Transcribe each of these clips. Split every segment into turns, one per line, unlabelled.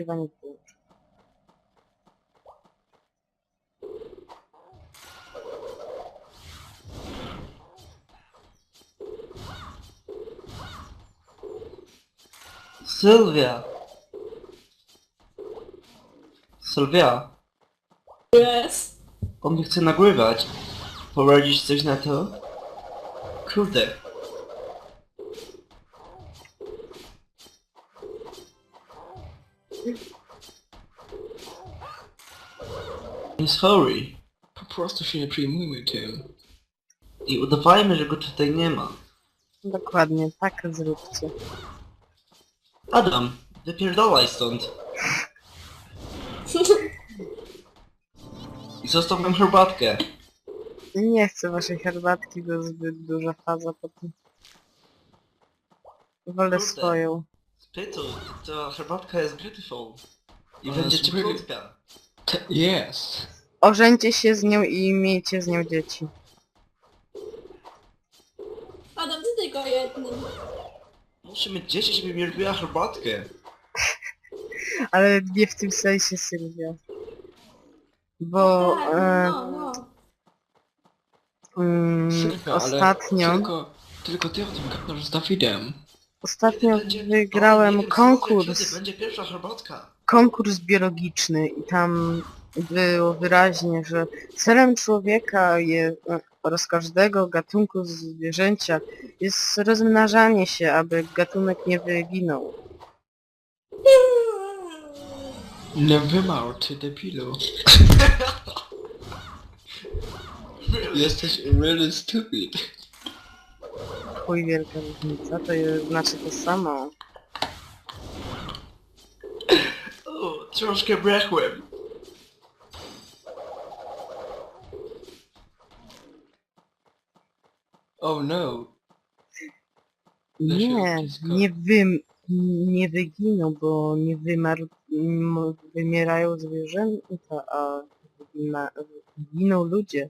nagrywanie wyłączyć.
Sylwia! Sylwia,
Yes.
on nie chce nagrywać. Poradzisz coś na to? Kurde. Jest chory.
Po prostu się nie przejmujmy tym.
I udawajmy, że go tutaj nie ma.
Dokładnie, tak zróbcie.
Adam, wypierdolaj stąd. I zostaw nam herbatkę.
Nie chcę waszej herbatki, bo zbyt duża faza potem. Wolę
Kurde.
swoją.
Spytu, ta herbatka jest beautiful. I
Ona
będzie
jest really-
cieplutka.
Yes.
Ożeńcie się z nią i miejcie z nią dzieci.
Adam, ty tylko jednym.
Muszę mieć dzieci, żeby mi robiła herbatkę.
Ale nie w tym sensie, Sylwia. Bo
Tak, no.
Sylwia,
ostatnio...
ale tylko ty o tym gadasz z Dawidem.
Ostatnio
Będzie-
wygrałem
nie wiem, Sylwia,
konkurs.
kiedy będzie pierwsza herbatka.
Konkurs biologiczny i tam było wyraźnie, że celem człowieka oraz każdego gatunku zwierzęcia jest rozmnażanie się, aby gatunek nie wyginął.
Nie wymarł, ty debilu. Jesteś really stupid.
Chuj, wielka różnica, to znaczy to samo.
O, troszkę brechłem.
Oh no.
Nie, nie wyginą, bo nie wymarł, wymierają zwierzęta, a giną ludzie.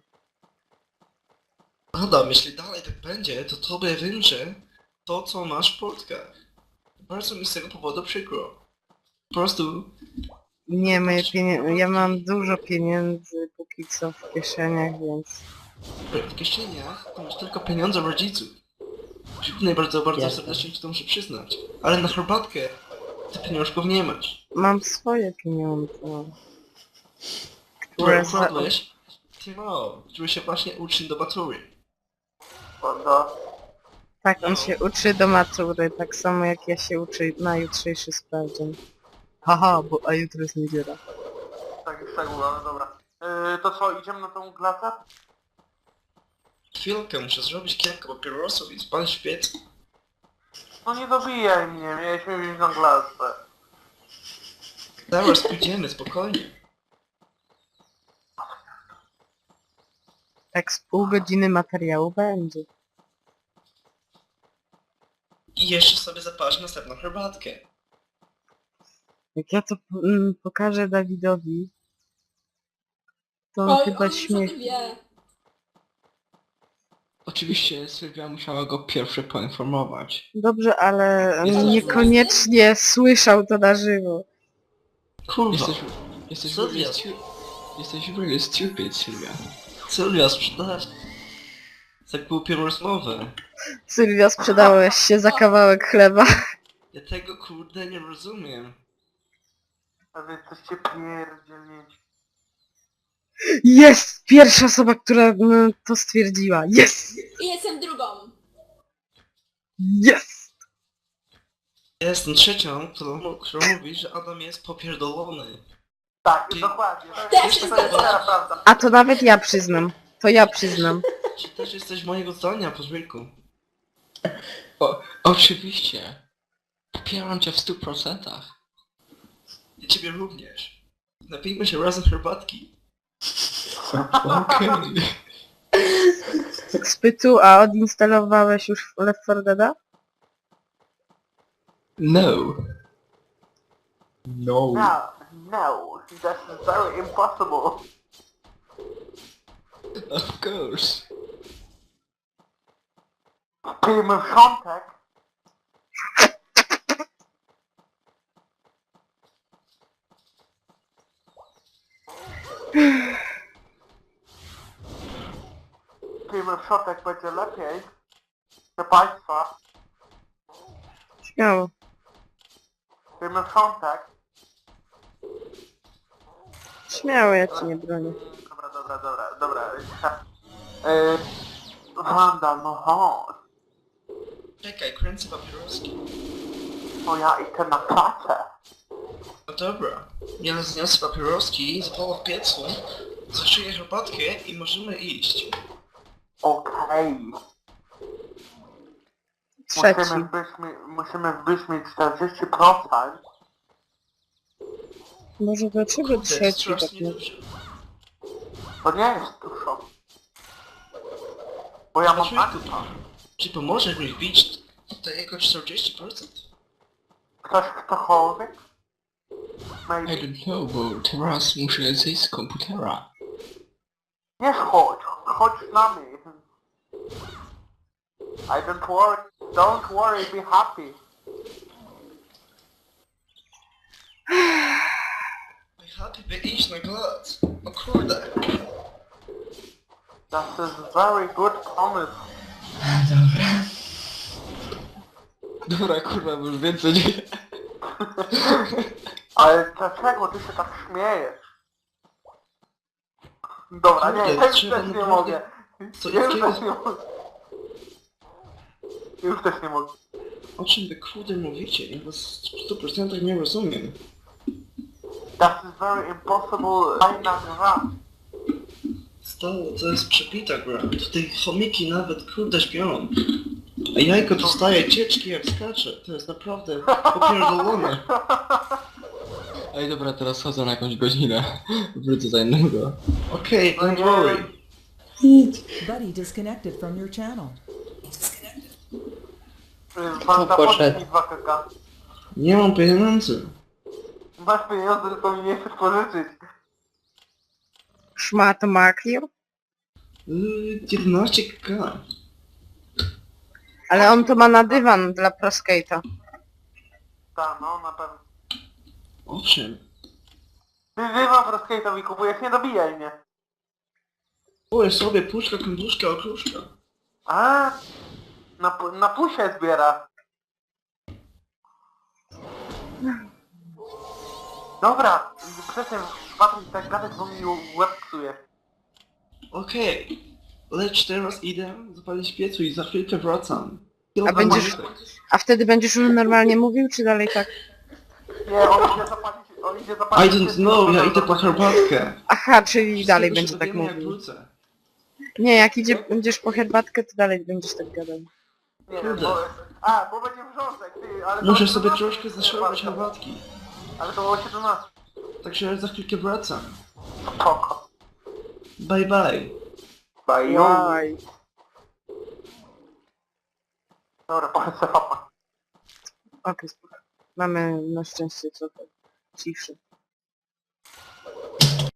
Adam, jeśli dalej tak będzie, to tobie wymrze to, co masz w portkach. Bardzo mi z tego powodu przykro. Po prostu...
Nie, ja mam dużo pieniędzy póki co w kieszeniach, więc...
W kieszeniach to masz tylko pieniądze rodziców. Dziękuję bardzo
Jasne.
serdecznie ci to muszę przyznać. Ale na herbatkę ty pieniążków nie masz.
Mam swoje pieniądze,
Które
które
ukradłeś Timo, który się właśnie uczy do matury.
Tak, on się uczy do matury, tak samo jak ja się uczę na jutrzejszy sprawdzian. Haha, a jutro jest niedziela.
Tak, już tak było, ale dobra. To co, idziemy na tą glacę?
Chwilkę, muszę zrobić kilka papierosów i spalić w piecu.
No nie dobijaj mnie, mieliśmy wziąć na glacę.
Zaraz pójdziemy, spokojnie.
Tak z pół godziny materiału będzie.
I jeszcze sobie zaparzę następną herbatkę.
Jak ja to pokażę Dawidowi, to on
Oj,
chyba
on już o
śmiech...
tym wie.
Oczywiście Sylwia musiała go pierwszy poinformować.
Dobrze, ale
Jesteś
niekoniecznie słyszał to na żywo.
Kurwa.
Jesteś
Sylwia,
really stupid, Sylwia.
Sylwia, sprzedałaś tak głupią rozmowę.
Sylwia, sprzedałeś się za kawałek chleba.
Ja tego kurde nie rozumiem.
A wy jesteście pierdzielnięci.
Jest! Pierwsza osoba, która to stwierdziła. Jest!
I jestem drugą.
Jest!
Ja jestem trzecią, która mówi, że Adam jest popierdolony.
Tak,
Ty-
dokładnie.
Też
To jest
zgadzam.
twoja prawda.
A to nawet ja przyznam. To ja przyznam.
Czy też jesteś mojego zdania, pozwólku?
Oczywiście. Popieram cię w 100%.
I ciebie również. Napijmy się razem herbatki.
Okej.
Spytu, a odinstalowałeś już Left 4 Deada?
No.
No, no, that's very impossible.
Of course.
Pijmy wrzątek. pójdziemy w środek, będzie lepiej. Proszę Państwa,
Śmiało.
pójdziemy w środek.
Śmiało, ja ci nie bronię.
Dobra. Wanda, no chodź.
Czekaj, kręcę papieroski.
Bo ja idę na pracę.
No dobra. Ja zniosę papieroski, zapalę w piecu, zaszyję herbatkę i możemy iść.
Okej.
Trzeci.
Musimy wbyć mi 40%.
Może dlaczego
To jest
trzeci tak
strasznie
nie...
dużo.
To nie jest dużo. Bo ja mam
Dlaczego?
akta.
Czy pomożesz mi wbić tutaj jako 40%?
Ktokolwiek?
I
Maybe.
don't know, bo teraz muszę zejść z komputera.
Nie chodź z nami. Don't worry, be happy.
Happy by iść na glad. O kurde.
That is very good promise.
Dobra, kurwa, bo już więcej nie...
Ale dlaczego ty się tak śmiejesz? Dobra, nie,
Kurde,
ja już
trzeba
też nie
naprawdę-
mogę.
Co
Ja już
jakiego?
też nie mogę. Już też nie mogę.
O czym wy kurde mówicie? Ja was w 100% nie rozumiem.
That is very impossible fajna gra.
Stało, to jest przebita gra. Tutaj chomiki nawet kurde śpią. A jajko dostaje cieczki jak skacze. To jest naprawdę popierdolone.
Ej, dobra, teraz chodzę na jakąś godzinę. Wrócę za innego.
Okej, don't worry.
Buddy disconnected from your channel.
Wanda,
poszedł?
podaj mi 2 kk.
Nie mam pieniędzy.
Masz pieniądze, tylko mi nie chcesz pożyczyć.
Szmat maklił?
11k.
Ale on to ma na dywan dla proskate'a.
Tak, no na pewno.
Owszem.
Ty wywam rozkejtowi kupujesz, nie dobijaj mnie.
Kupuję sobie puszka, kąduszka, okruszka.
A, na pusie zbiera. Dobra, przestań Patryk tak gadać, bo mi łeb psuje.
Okej. Lecz teraz idę zapalić piecu i za chwilkę wracam.
A będziesz... A wtedy będziesz już normalnie mówił, czy dalej tak?
Nie, on idzie zapalić...
I don't know, ja idę po herbatkę.
Aha, czyli dalej
Z tego
będzie
się
tak
dowiemy, jak
mówił.
wrócę.
Nie, jak będziesz po herbatkę, to dalej będziesz tak gadał.
Nie,
Kurde.
bo będzie wrząsek, ty, ale... to
Muszę
o
sobie
17
troszkę
jest
zaszorować
herbatka.
herbatki.
Ale to o 17.
Także za chwilkę wracam.
Spoko.
Bye bye.
Bye.
Jaj.
Dobra, powiedz sobie papa.
Okej, spoko. Mamy na szczęście trochę ciszy.